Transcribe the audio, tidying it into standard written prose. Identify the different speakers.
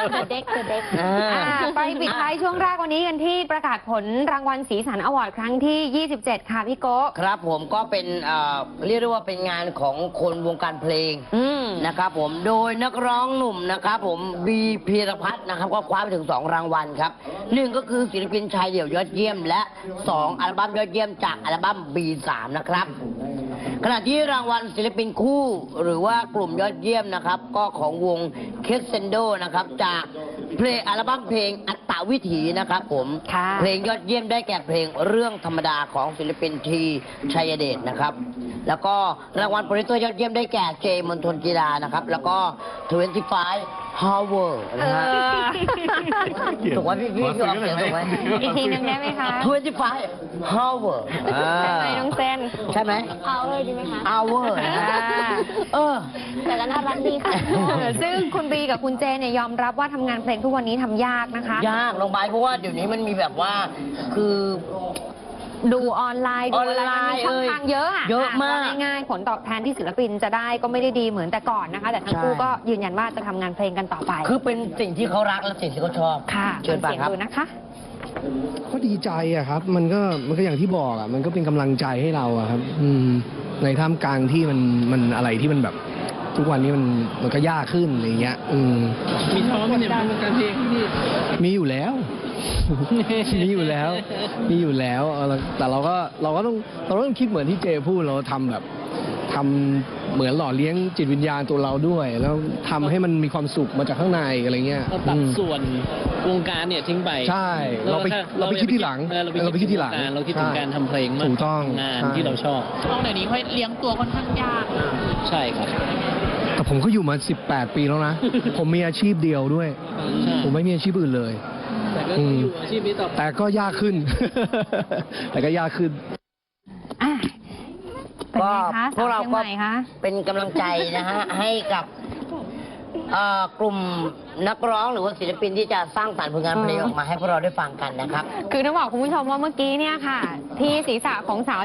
Speaker 1: เด็ก
Speaker 2: ไปปิดท้ายช่วงแรกวันนี้กันที่ประกาศผลรางวัลสีสันอวอร์ดครั้งที่ 27 ค่ะพี่โก้
Speaker 3: ครับผมก็เป็นเรียกได้ว่าเป็นงานของคนวงการเพลงนะครับผมโดยนักร้องหนุ่มนะครับผมบีพีรพัฒน์นะครับก็คว้าไปถึง2รางวัลครับ1ก็คือศิลปินชายเดี่ยวยอดเยี่ยมและ2อัลบั้มยอดเยี่ยมจากอัลบั้ม B3 นะครับขณะที่รางวัลศิลปินคู่หรือว่ากลุ่มยอดเยี่ยมนะครับก็ของวงเคสเซนโดนะครับจากเพลงอัลบั้มเพลงอัตตวิถีนะครับผมเพลงยอดเยี่ยมได้แก่เพลงเรื่องธรรมดาของศิลปินทีชัยเดชนะครับแล้วก็รางวัลโปรดิวเซอร์ยอดเยี่ยมได้แก่เจมณฑลกีฬานะครับแล้วก็25 Hour นะฮะถูกไหมพี่ออกเสียงถูกไหม
Speaker 2: อีกทีนึงได้ไหมคะ
Speaker 3: 25 Hour
Speaker 2: ใช่ไหมน้องเซน
Speaker 3: ใช่ไหม
Speaker 1: Hour ดีไหมคะ
Speaker 3: Hour
Speaker 1: แต่ก็น่ารักดีค่ะ
Speaker 2: ซึ่งคุณบีกับคุณเจเนี่ยยอมรับว่าทำงานเพลงทุกวันนี้ทำยากนะคะ
Speaker 3: ยากลงไปเพราะว่าเดี๋ยวนี้มันมีแบบว่าคือ
Speaker 2: ดูออนไลน์ดูอะไรมันมีช่องทางเยอะ
Speaker 3: เยอะมาก
Speaker 2: ง่ายๆผลตอบแทนที่ศิลปินจะได้ก็ไม่ได้ดีเหมือนแต่ก่อนนะคะแต่ทั้งคู่ก็ยืนยันว่าจะทำงานเพลงกันต่อไป
Speaker 3: คือเป็นสิ่งที่เขารักและสิ่งที่เขาชอบ
Speaker 2: ค่ะ
Speaker 3: เชิญฟังครับ
Speaker 2: ดูนะคะ
Speaker 4: ก็ดีใจอะครับมันก็อย่างที่บอกอะมันก็เป็นกำลังใจให้เราอะครับในท่ามกลางที่มันอะไรที่มันแบบทุกวันนี้มันก็ยากขึ้นอะไรเงี้ย
Speaker 5: มีท้อไหมเนี่ยวงการเพลงพี่
Speaker 4: มีอยู่แล้วมีอยู่แล้วแต่เราก็ต้องคิดเหมือนที่เจพูดเราทำแบบทำเหมือนหล่อเลี้ยงจิตวิญญาณตัวเราด้วยแล้วทำให้มันมีความสุขมาจากข้างในอะไรเงี้ย
Speaker 5: เราตัดส่วนวงการเนี่ยทิ้งไป
Speaker 4: ใช่เราไปคิดที่หลัง
Speaker 5: เราไปคิดที่หลังเราคิดถึงการทำเพลงมาก
Speaker 4: ถูกต้อง
Speaker 5: งานที่เราชอบ
Speaker 1: ต้องเดี๋ยวนี้ค่อยเลี้ยงตัวค่อนข้างยาก
Speaker 5: ใช่ครับ
Speaker 4: แต่ผมก็อยู่มา18 ปีแล้วนะผมมีอาชีพเดียวด้วยผมไม่มีอาชีพอื่นเลย
Speaker 5: แต่ก็อยู่อาชีพนี้ต่อ
Speaker 4: แต่ก็ยากขึ้นแต่ก็ยากขึ้น
Speaker 3: ก็พวกเราก็เป็นกำลังใจนะฮะให้กับกลุ่มนักร้องหรือว่าศิลปินที่จะสร้างสรรค์ผลงานเพลงออกมาให้พวกเราได้ฟังกันนะครับ
Speaker 2: คือต้องบอกคุณผู้ชมว่าเมื่อกี้เนี่ยค่ะที่ศีรษะของสาว